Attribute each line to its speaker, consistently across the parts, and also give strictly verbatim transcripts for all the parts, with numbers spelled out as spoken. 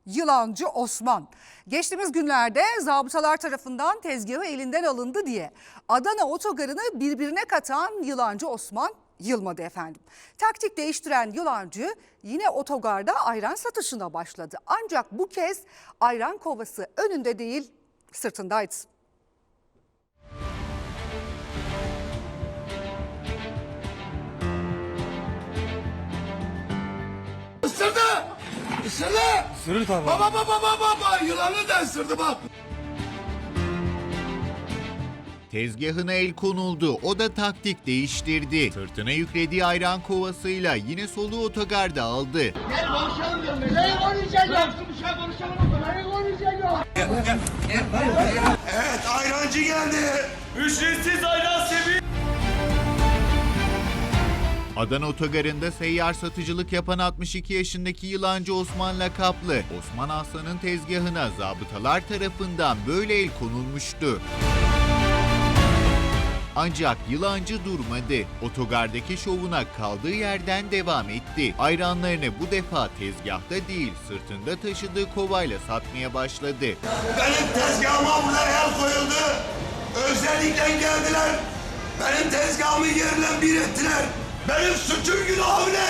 Speaker 1: Yılancı Osman. Geçtiğimiz günlerde zabıtalar tarafından tezgahı elinden alındı diye Adana otogarını birbirine katan Yılancı Osman yılmadı efendim. Taktik değiştiren Yılancı yine otogarda ayran satışına başladı. Ancak bu kez ayran kovası önünde değil, sırtındaydı.
Speaker 2: Isırdı! Isırdı!
Speaker 3: Isırır tabii.
Speaker 2: Baba baba baba baba! Yılanı da ısırdı bak!
Speaker 4: Tezgahına el konuldu, o da taktik değiştirdi. Sırtına yüklediği ayran kovasıyla yine soluğu otogarda aldı.
Speaker 2: Gel konuşalım diyorum. Ne konuşacağız? Bir şey konuşalım. Ne konuşacağız? Evet, ayrancı geldi.
Speaker 3: Ücretsiz ayran seviye.
Speaker 4: Adana otogarında seyyar satıcılık yapan altmış iki yaşındaki Yılancı Osman lakaplı Osman Aslan'ın tezgahına zabıtalar tarafından böyle el konulmuştu. Ancak Yılancı durmadı. Otogardaki şovuna kaldığı yerden devam etti. Ayranlarını bu defa tezgahta değil, sırtında taşıdığı kovayla satmaya başladı.
Speaker 2: Benim tezgahıma burada el koyuldu. Özellikle geldiler. Benim tezgahımı yerle bir ettiler. Benim suçum günahım ne?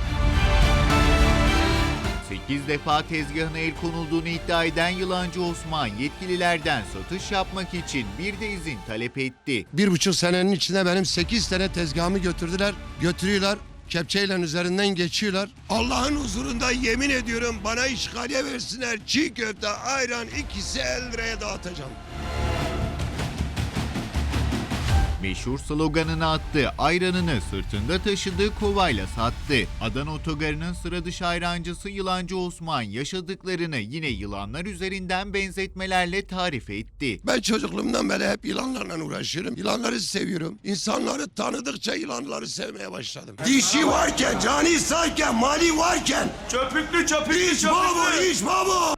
Speaker 4: sekiz defa tezgahına el konulduğunu iddia eden Yılancı Osman yetkililerden satış yapmak için bir de izin talep etti.
Speaker 5: Bir buçuk senenin içinde benim sekiz tane tezgahımı götürdüler, götürüyorlar. Kepçeyle üzerinden geçiyorlar.
Speaker 2: Allah'ın huzurunda yemin ediyorum bana işgaliye versinler. Çiğ köfte, ayran ikisi elli liraya dağıtacağım.
Speaker 4: Meşhur sloganını attı, ayranını sırtında taşıdığı kovayla sattı. Adana otogarının sıra dışı ayrancısı Yılancı Osman yaşadıklarını yine yılanlar üzerinden benzetmelerle tarif etti.
Speaker 2: Ben çocukluğumdan beri hep yılanlarla uğraşıyorum. Yılanları seviyorum. İnsanları tanıdıkça yılanları sevmeye başladım. Dişi varken, cani sayken, mali varken.
Speaker 3: Çöpüklü çöpüklü
Speaker 2: İş babu, iş babu.